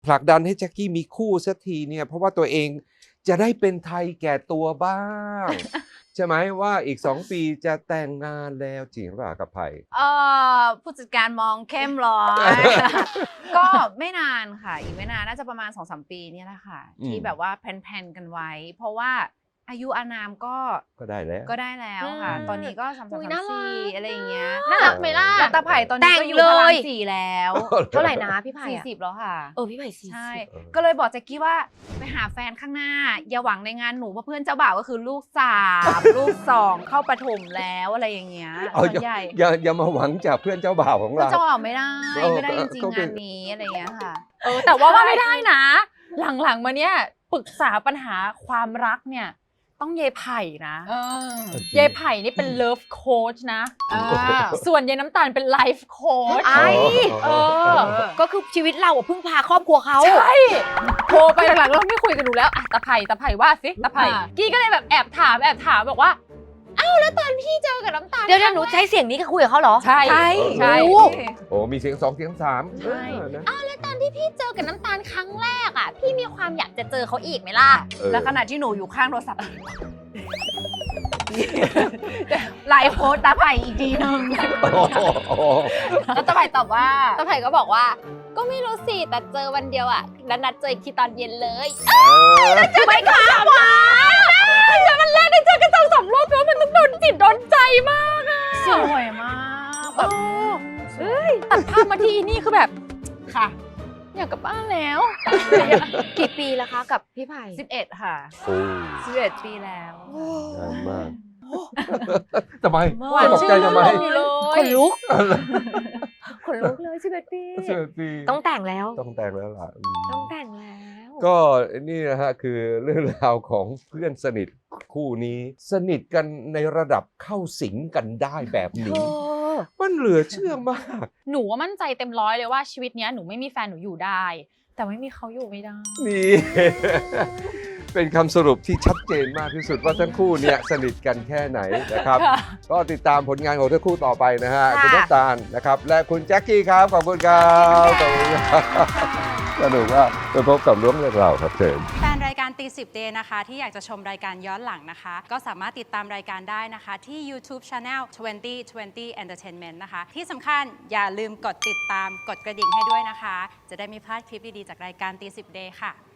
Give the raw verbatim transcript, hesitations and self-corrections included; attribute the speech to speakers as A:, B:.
A: ผลักดันให้แจ็คกี้มีคู่สักทีเนี่ยเพราะว่าตัวเองจะได้เป็นไทยแก่ตัวบ้าง ใช่ไหมว่าอีกสองปีจะแต่งงานแล้วจริงหรือเปล่ากับไผ่
B: เอ่อผู้จัดการมองเข้มร้อย ก็ไม่นานค่ะอีกไม่นานน่าจะประมาณ สองสาม ปีเนี่ยแหละค่ะที่แบบว่าแพลนๆกันไว้ เพราะว่าอายุอานามก็
A: ก็ได้แล้ว
B: ก็ได้แล้วค่ะตอนนี้ก็สามสามสามสี่อะไรอย่างเงี้ย
C: น่ารักไหมล่ะ
B: แล้วตาไผ่ตอนนี้ก็อยู่พลังสี่แล้ว
C: เท่าไหร่นะพี่ไผ่
B: สี่
C: อะ
B: สิบแล้วค่ะ
C: เออพี่ไผ่สี่สิบ
B: ใช่ก็เลยบอกแจ็คกี้ว่าไปหาแฟนข้างหน้าอย่าหวังในงานหนูเพราะเพื่อนเจ้าบ่าวก็คือลูกสามลูกสองเข้าประถมแล้วอะไรอย่างเงี้ยส่วนใหญ่
A: อย่าอย่ามาหวังจากเพื่อนเจ้าบ่าวของ
B: เพื่อน
A: เรา
B: เจ้าบ่าวไม่ได้ไม่ได้จริง
A: ก็
B: ๆ
A: เป็
B: งาน นนี้อะไรอย่างเงี้ยค่ะ
D: เออแต่ว่าว่าไม่ได้นะ หลังๆมาเนี้ยปรึกษาปัญหาความรักเนี่ยต้องเยไผ่นะเยไผ่นี่เป็นเลิฟโค้ชนะส่วนเยน้ำตาลเป็นไลฟ์โค้ช
C: ไอ้
D: เออ
C: ก็คือชีวิตเราอะพึ่งพาครอบครัวเขา
D: ใช่โทรไปหลังๆเราไม่คุยกันดูแล้วอะตาไผ่ตาไผ่ว่าสิตาไผ่กี้ก็เลยแบบแอบถามแอบถามบอกว่าอ้าวแล้วตอนพี่เจอกับน้ำตาล
C: เดี๋ยวหนูใช้เสียงนี้ก็คุยกับเขาเหรอ
D: ใช่ใช่ใช่
A: โอ้มีเสียงสองเสียงสาม
D: ใช่
A: เออนะ
D: อ้าวแล้วตอนที่พี่เจอกับน้ำตาลครั้งแรกอ่ะพี่มีความอยากจะเจอเขาอีกไหมล่ะ
A: เออ
B: แล้วขณะที่หนูอยู่ข้างโทรศัพท์ไลฟ์โพสต์ตาไผ่อีกทีนึง
A: โอ้โห
B: แล้วตาไผ่ตอบว่า
D: ตาไผ่ก็บอกว่าก็ไม่รู้สิแต่เจอวันเดียวอ่ะแล้วนัดเจออีกทีตอนเย็นเลย
A: เออ
D: จะไปค่ะวะแต่มันแรกได้เจอกันสองสามรอบแล้วมันต้องโดนจิตโดนใจมากอ่ะ
B: สวยมากแบบ
D: เอ้ยตัดภาพมาที่นี่คือแบบ
B: ค่ะ
D: อยากกลับบ้านแล้ว
C: กี่ปีแล้วคะกับพี่ไผ่
B: สิบเอ็ดค่ะ
A: โอ้
B: สิบเอ็ดปีแล้ว
A: นานมากทำไม
D: หวาน
A: ตกใจ
D: ชื่น
A: ทำไม
D: ลมอยู่เลย
C: ขนลุก
D: ขนลุกเลยสิบเอ็ดปี
A: เสียปี
C: ต้องแต่งแล้ว
A: ต้องแต่งแล้วล่ะอืม
C: ต้องแต่งแล้ว
A: ก็นี่นะฮะคือเรื่องราวของเพื่อนสนิทคู่นี้ สนิทกันในระดับเข้าสิงกันได้แบบ
C: เธ
A: นี้
C: อ
A: มันเหลือเชื่อมาก
D: หนูว่ามั่นใจเต็มร้อยเลยว่าชีวิตเนี้ยหนูไม่มีแฟนหนูอยู่ได้ แต่ไม่มีเขาอยู่ไม่ได้
A: นี่ เป็นคำสรุปที่ชัดเจนมากที่สุดว่าทั้งคู่เนี่ยสนิทกันแค่ไหนนะครับ
D: ค่ะ
A: ก็ติดตามผลงานของทั้งคู่ต่อไปนะฮะ
C: ค่ะ
A: คุณน้ำตาลนะครับ และคุณแจ็คกี้ครับ ขอบคุณครับขอบคุณครับสนุกว่าไปพบกับล้วงเรื่องราวครับเชิญ
E: แฟนรายการตีสิบเดย์นะคะที่อยากจะชมรายการย้อนหลังนะคะ ก็สามารถติดตามรายการได้นะคะที่ YouTube Channel ยี่สิบ ยี่สิบ Entertainment นะคะ ที่สำคัญอย่าลืมกดติดตามกดกระดิ่งให้ด้วยนะคะ จะได้ไม่พลาดคลิปดี ๆ จากรายการตีสิบเดย์ค่ะ